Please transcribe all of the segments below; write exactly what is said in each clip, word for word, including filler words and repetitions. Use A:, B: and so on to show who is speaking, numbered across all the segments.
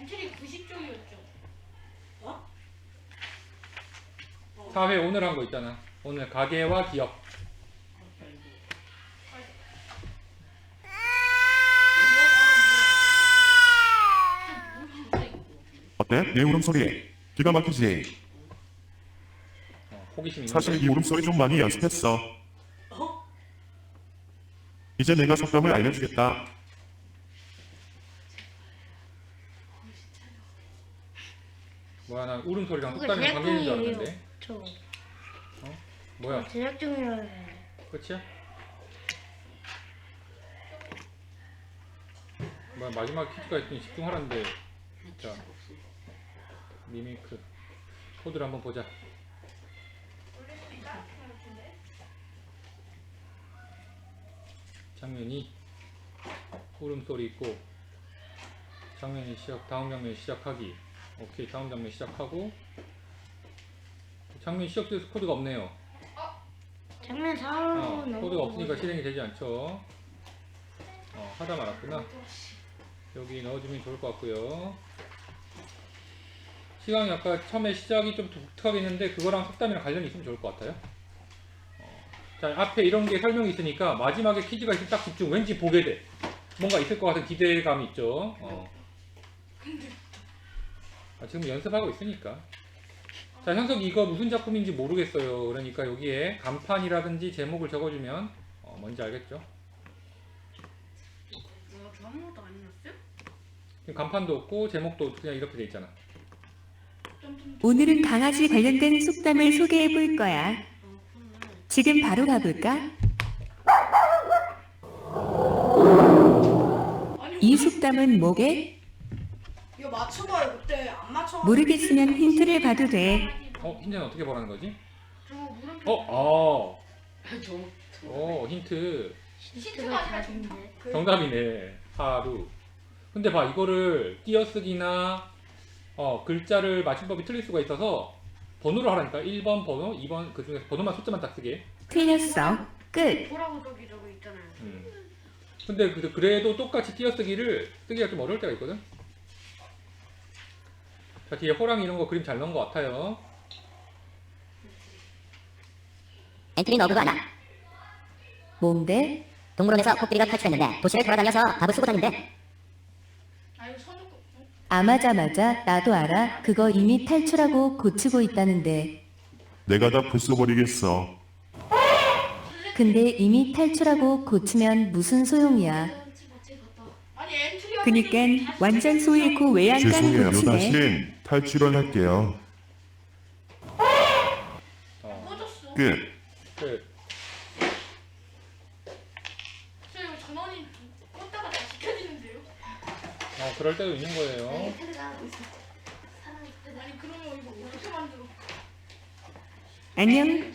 A: 엔트리 구십 쪽이었죠.
B: 어?
C: 사 회 오늘 한 거 있잖아. 오늘 가계와 기업.
D: 어때? 내 울음소리 기가 막히지?
C: 어, 호기심 있는
D: 사실 이 울음소리 좀 많이 연습했어.
B: 어?
D: 이제 내가 속담을 알려주겠다.
C: 뭐야, 난 울음소리랑
E: 그거
C: 속담이랑 관계 있는 줄
E: 제작진이에요.
C: 알았는데.
E: 저
C: 어? 뭐야,
E: 제작 중이라는데.
C: 끝이야? 뭐야, 마지막 퀴즈가 있더니 집중하라는데. 자, 미미크 코드를 한번 보자. 장면이 울음소리 있고, 장면이 시작, 다음 장면 시작하기. 오케이, 다음 장면 시작하고, 장면 시작돼서 코드가 없네요.
E: 장면
C: 어,
E: 사로
C: 코드가 없으니까 실행이 되지 않죠. 어, 하다 말았구나. 여기 넣어주면 좋을 것 같고요. 시간이 아까 처음에 시작이 좀 독특하게 있는데 그거랑 속담이랑 관련이 있으면 좋을 것 같아요. 어, 자, 앞에 이런 게 설명이 있으니까 마지막에 퀴즈가 있으면 딱 집중. 왠지 보게 돼. 뭔가 있을 것 같은 기대감이 있죠. 어. 아, 지금 연습하고 있으니까. 자, 현석이 이거 무슨 작품인지 모르겠어요. 그러니까 여기에 간판이라든지 제목을 적어주면 어, 뭔지 알겠죠?
A: 뭐야, 저 아무것도 안 해놨어요?
C: 지금 간판도 없고 제목도 그냥 이렇게 돼 있잖아.
F: 오늘은 강아지 관련된 속담을 소개해 볼 거야. 지금 바로 가볼까? 이 속담은 뭐게?
B: 이거 맞춰봐요. 그때 안 맞춰.
F: 모르겠으면 힌트를 봐도 돼.
C: 어, 힌트는 어떻게 보라는 거지?
A: 저 물음표.
C: 어, 아,
B: 저.
C: 어, 힌트.
E: 시트가 다른데.
B: 그,
C: 정답이네. 하루. 근데 봐, 이거를 띄어쓰기나 어, 글자를 맞춤법이 틀릴 수가 있어서 번호로 하라니까. 일 번 번호, 이 번 그 중에서 번호만 숫자만 딱 쓰게.
F: 틀렸어. 끝.
A: 보라고 저기 저기 있잖아요.
C: 음. 근데 그- 그래도 똑같이 띄어쓰기를 쓰기가 좀 어려울 때가 있거든. 자, 뒤에 호랑이 이런 거 그림 잘 넣은 것 같아요.
G: 엔트리 너그가 하나.
F: 뭔데?
G: 동물원에서 코끼리가 탈출했는데 도시를 돌아다녀서 밥을 쓰고 다닌대.
A: 아 이거 선우
F: 아마자마자 나도 알아. 그거 이미 탈출하고 고치고 있다는데.
D: 내가 다 부숴버리겠어.
F: 근데 이미 탈출하고 고치면 무슨 소용이야.
A: 아니 엔트리가
F: 그니깐 완전 소일고 왜 안 까는
D: 죄송해요.
F: 고치네.
D: 다신 탈출을 할게요.
C: 어,
A: 꺼졌어.
D: 끝.
C: 끝.
A: 저 이거 전원이 껐다가 다시 켜지는데요?
C: 어, 그럴 때도 있는 거예요.
A: 아니 그러면 이거 어떻게 만들어?
F: 안녕.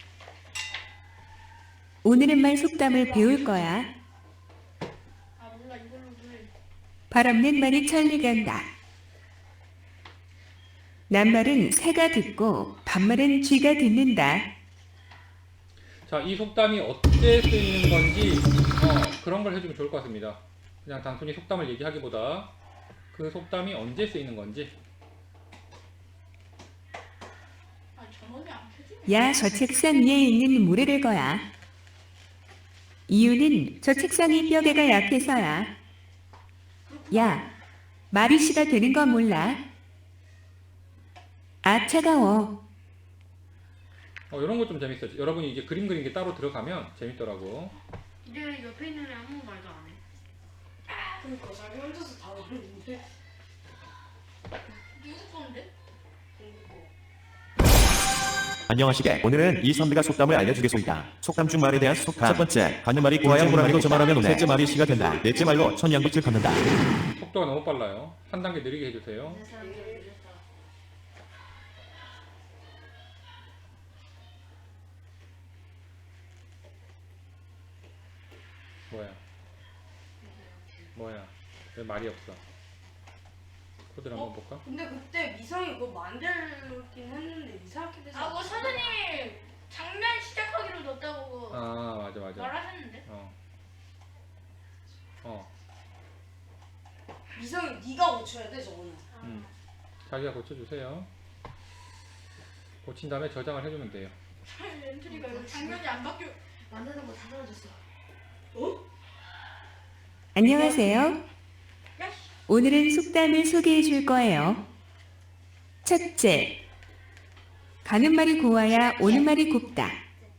F: 오늘은말 속담을 배울 거야.
A: 아 몰라 이걸로 해.
F: 발 없는 말이 천리 간다. 낱말은 새가 듣고 반말은 쥐가 듣는다.
C: 자, 이 속담이 어떻게 쓰이는 건지 어, 그런 걸 해주면 좋을 것 같습니다. 그냥 단순히 속담을 얘기하기보다 그 속담이 언제 쓰이는 건지.
A: 아 전원이 안 켜지네.
F: 야, 저 책상 위에 있는 모래를 거야. 이유는 저 책상이 뼈대가 약해서야. 야, 마비씨가 되는 거 몰라? 아, 차가워.
C: 어, 이런 거 좀 재밌어요. 여러분이 이제 그림 그리는 게 따로 들어가면 재밌더라고.
A: 이제 옆에 있는 애 아무 말도 안 해.
B: 그러니까 자기 혼자서 다 모르는데.
A: 누구 건데?
H: 안녕하시게. 오늘은 이 선비가 속담을 알려주겠소이다. 속담 중 말에 대한 속담. 첫 번째, 가는 말이 고와야 호랑이도 저 말하면 오네. 셋째 말이 시가 된다. 넷째 말로 천냥붙을 걷는다.
C: 속도가 너무 빨라요. 한 단계 느리게 해주세요. 뭐야? 뭐야? 왜 말이 없어? 코드를 한번 볼까?
B: 근데 그때 미성이 그거 만들긴 했는데 이상하게 돼서.
A: 아 그거 사장님이 장면 시작하기로 넣었다고
C: 아, 맞아 맞아.
A: 말하셨는데.
C: 어. 어.
B: 이성이 네가 고쳐야 돼 저거는.
C: 음. 자기가 고쳐주세요. 고친 다음에 저장을 해주면 돼요.
A: 엔트리가 이거 장면이 안 바뀌어.
E: 만드는 거 다 사라졌어.
F: 안녕하세요. 오늘은 속담을 소개해 줄 거예요. 첫째, 가는 말이 고와야 오는 말이 곱다.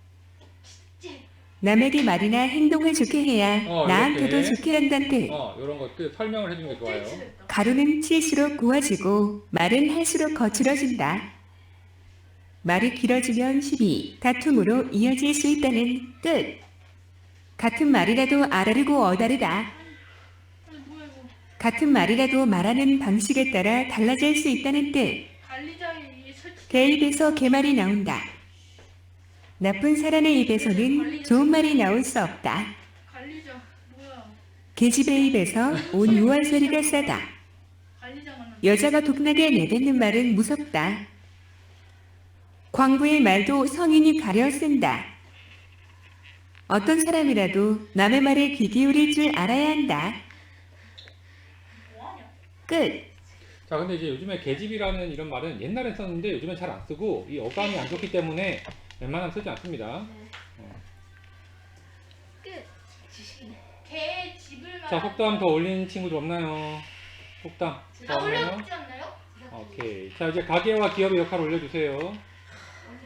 F: 남에게 말이나 행동을 좋게 해야
C: 어,
F: 나한테도
C: 이렇게.
F: 좋게 한다는 뜻.
C: 어, 이런 것들 설명을 해주는 게 좋아요.
F: 가루는 칠수록 고와지고 말은 할수록 거칠어진다. 말이 길어지면 시비, 다툼으로 이어질 수 있다는 뜻. 같은 말이라도 아다르고 어다르다.
A: 아니 뭐야 이거.
F: 같은 말이라도 말하는 방식에 따라 달라질 수 있다는 뜻.
A: 관리자의 설치.
F: 개 입에서 개말이 나온다. 나쁜 사람의 입에서는 좋은 말이 나올 수 없다.
A: 관리자 뭐야.
F: 계집의 입에서 온 유한 소리가 싸다.
A: 관리자 만나.
F: 여자가 독나게 내뱉는 말은 무섭다. 광부의 말도 성인이 가려 쓴다. 어떤 사람이라도 남의 말에 귀 기울일 줄 알아야 한다.
A: 뭐하냐.
F: 끝.
C: 자, 근데 이제 요즘에 계집이라는 이런 말은 옛날에 썼는데 요즘엔 잘 안 쓰고 이 어감이 안 좋기 때문에 웬만하면 쓰지 않습니다.
A: 개 집을 말.
C: 자, 속담 더 올린 친구들 없나요? 속담 더
A: 아
C: 없나요?
A: 올려주지 않나요?
C: 오케이. 자, 이제 가계와 기업의 역할을 올려주세요.